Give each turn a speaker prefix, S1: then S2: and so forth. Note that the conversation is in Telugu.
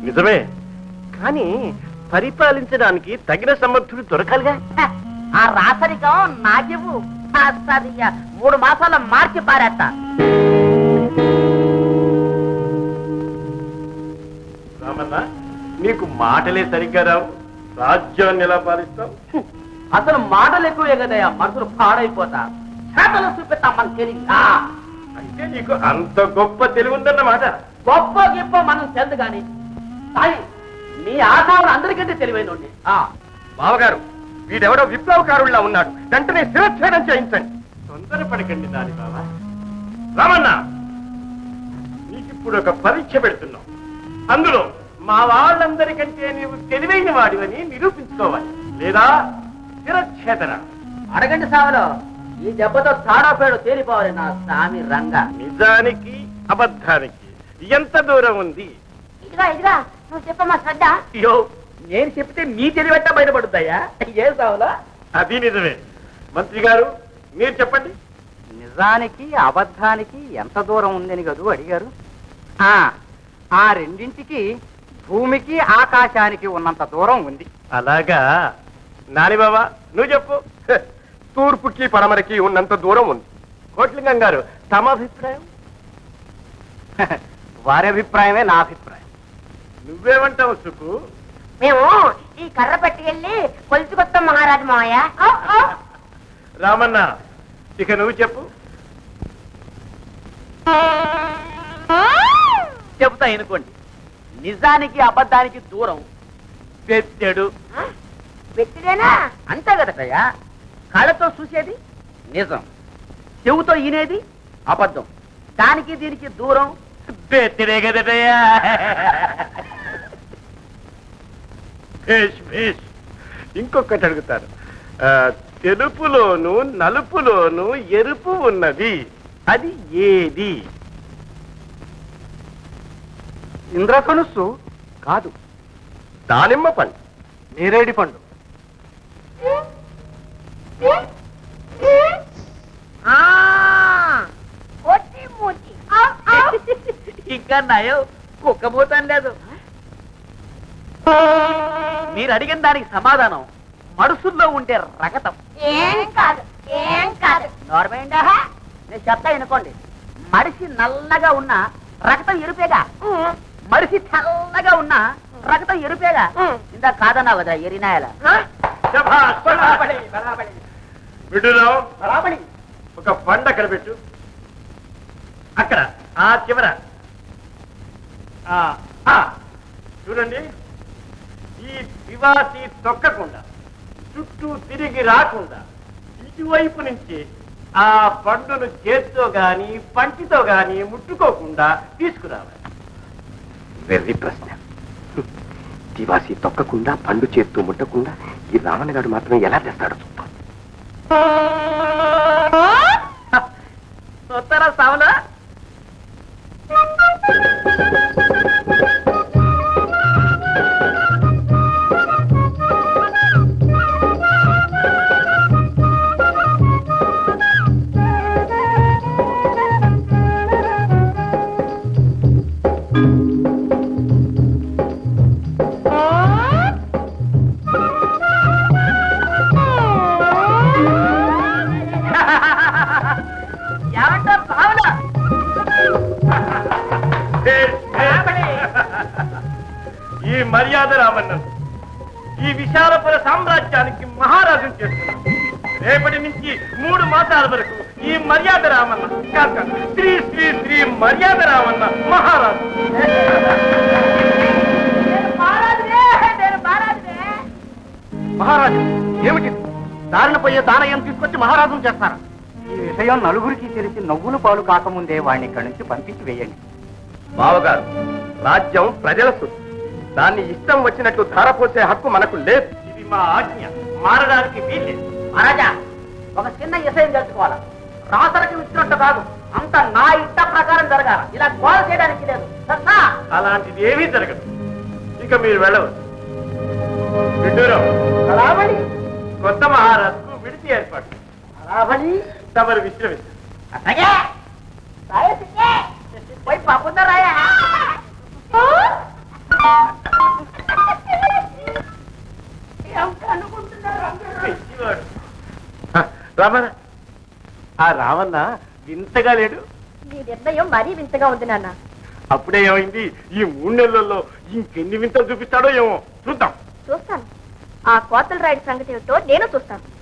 S1: నిజమే, కానీ పరిపాలించడానికి తగిన సమర్థుడు దొరకాలిగా.
S2: ఆ రాసరికం నాకివ్వు, 3 మాసాల మార్చి పారేస్తా.
S1: రామన్న, నీకు మాటలే సరిగ్గా రావు, రాజ్యాన్ని ఎలా పాలిస్తావు?
S2: అసలు మాటలు ఎక్కువే కదయ్యా, మనసులు పాడైపోతా. చేతలు చూపిస్తాం మన తెలివి.
S1: అంటే నీకు అంత గొప్ప తెలివి ఉందన్నమాట.
S2: గొప్ప గొప్ప మనం తెలుదు గాని మీ ఆశాలు అందరికంటే తెలివైన
S1: బావగారు, వీడెవడో విప్లవకారుల్లా ఉన్నాడు, వెంటనే శిరచ్ఛేదం చేయించండి. తొందరపడకండి దాని బావ. రామన్న, నీకిప్పుడు ఒక పరీక్ష పెడుతున్నావు. అందులో మా వాళ్ళందరికంటే నీవు తెలివైన వాడివని నిరూపించుకోవాలి, లేదా శిరచ్ఛేదన.
S2: అడగండి సావలో, ఈ దెబ్బతో తాడాపేడు తేలిపోవాలి నా స్వామి రంగ.
S1: నిజానికి అబద్ధానికి ఎంత దూరం ఉంది?
S3: ఇదిగా ఇదిగా నువ్వు చెప్పమ్మా శ్రద్ధ.
S2: అయ్యో, నేను చెప్తే మీ తెలివెట్ట బయటపడుతాయా? ఏ సావలో?
S1: అది నిజమే. మంత్రి గారు, మీరు చెప్పండి.
S4: నిజానికి అబద్ధానికి ఎంత దూరం ఉందని కదూ అడిగారు. ఆ రెండింటికి భూమికి ఆకాశానికి ఉన్నంత దూరం ఉంది.
S1: అలాగా నాని బాబా, నువ్వు చెప్పు. తూర్పుకి పడమరకి ఉన్నంత దూరం ఉంది. కోట్లింగం గారు, తమ అభిప్రాయం?
S4: వారి అభిప్రాయమే నా అభిప్రాయం.
S1: నువ్వేమంటావు సుకు?
S3: మేము ఈ కర్ర పట్టుకెళ్ళి కొలుచుకొస్తాం మహారాజు మావయ్య.
S1: రామన్న, ఇక నువ్వు చెప్పు.
S2: చెబుతా ఎనుకోండి. నిజానికి అబద్ధానికి దూరం పెట్టాడు.
S3: పెట్టిదేనా?
S2: అంతే కదటయ్యా. కళ్ళతో చూసేది నిజం, చెవుతో ఈనేది అబద్ధం. దానికి దీనికి దూరం బెత్తిడే కదటయ్యా.
S1: ఇంకొకటి అడుగుతారు. తెలుపులోను నలుపులోను ఎరుపు ఉన్నది, అది ఏది?
S4: ఇంద్రధనుస్సు కాదు,
S1: దానిమ్మ పండు.
S4: నేరేడి పండు.
S2: ఇంకా నయం, కుక్కబోతాను లేదు. మీరు అడిగిన దానికి సమాధానం మడుసుల్లో ఉండే రగతం.
S3: ఏం కాదు, ఏం కాదు.
S2: నార్మైండా? నేను చెప్తా ఎనుకోండి. మడిసి నల్లగా ఉన్న రక్తం ఎరుపేగా, మడిసి తెల్లగా ఉన్న రక్తం ఎరుపేగా. ఇందా కాదన్నా కదా ఎరినాయల.
S1: విడురావు, ఒక పండు అక్కడ పెట్టు. అక్కడ ఆ చివర చూడండి. ఈ దివాసి తొక్కకుండా, చుట్టూ తిరిగి రాకుండా ఇటువైపు నుంచి ఆ పండును చేత్తో గాని పంటితో గాని ముట్టుకోకుండా తీసుకురావాలి.
S5: వెర్రి ప్రశ్న. దివాసి తొక్కకుండా, పండు చేత్తో ముట్టకుండా ఈ రామన్న గారు మాత్రం ఎలా తెస్తాడో చూద్దాం.
S2: చూస్తారా సావులా?
S1: ఈ మర్యాద రామన్న ఈ విశాలపుర సామ్రాజ్యానికి మహారాజును చేస్తున్నాం. రేపటి నుంచి 3 మాసాల వరకు ఈ మర్యాద రామన్న కాక శ్రీ శ్రీ శ్రీ మర్యాద రామన్న మహారాజు.
S4: మహారాజు ఏమిటి? దారిన పోయే దానయం తీసుకొచ్చి మహారాజును చేస్తారా? ఈ విషయం నలుగురికి తెలిసి నవ్వులు పాలు కాకముందే వాడిని ఇక్కడి నుంచి పంపించి వేయండి.
S1: బావగారు, రాజ్యం ప్రజల సొత్తు. దాన్ని ఇష్టం వచ్చినట్లు ధారపోసే హక్కు మనకు లేదు. ఇది మా ఆజ్ఞ, మారడానికి వీల్లేదు.
S2: మహారాజా, ఒక చిన్న విషయం తెలుసుకోవాలా. రాసరికి ఇచ్చినట్టు కాదు, అంత నా ఇష్ట ప్రకారం జరగాల. ఇలా గోల చేయడానికి లేదు.
S1: అలాంటిది ఏమీ జరగదు. ఇక మీరు వెళ్ళవచ్చు. విడ్డూరం, కొత్త మహారాజుకు విడిచి ఏర్పాటు. తమరు విశ్రమిస్తారు.
S2: పోయి పప్పుతారాయా?
S1: రామన్న ఆ రామన్న వింతగా లేడు.
S3: నీ నిర్ణయం మరీ వింతగా ఉంది నాన్న.
S1: అప్పుడే ఏమైంది, ఈ 3 నెలల్లో ఇంకెన్ని వింతలు చూపిస్తాడో ఏమో చూద్దాం.
S3: చూస్తాను. ఆ కోతల రాయుడి సంగతి ఏమిటో నేను చూస్తాను.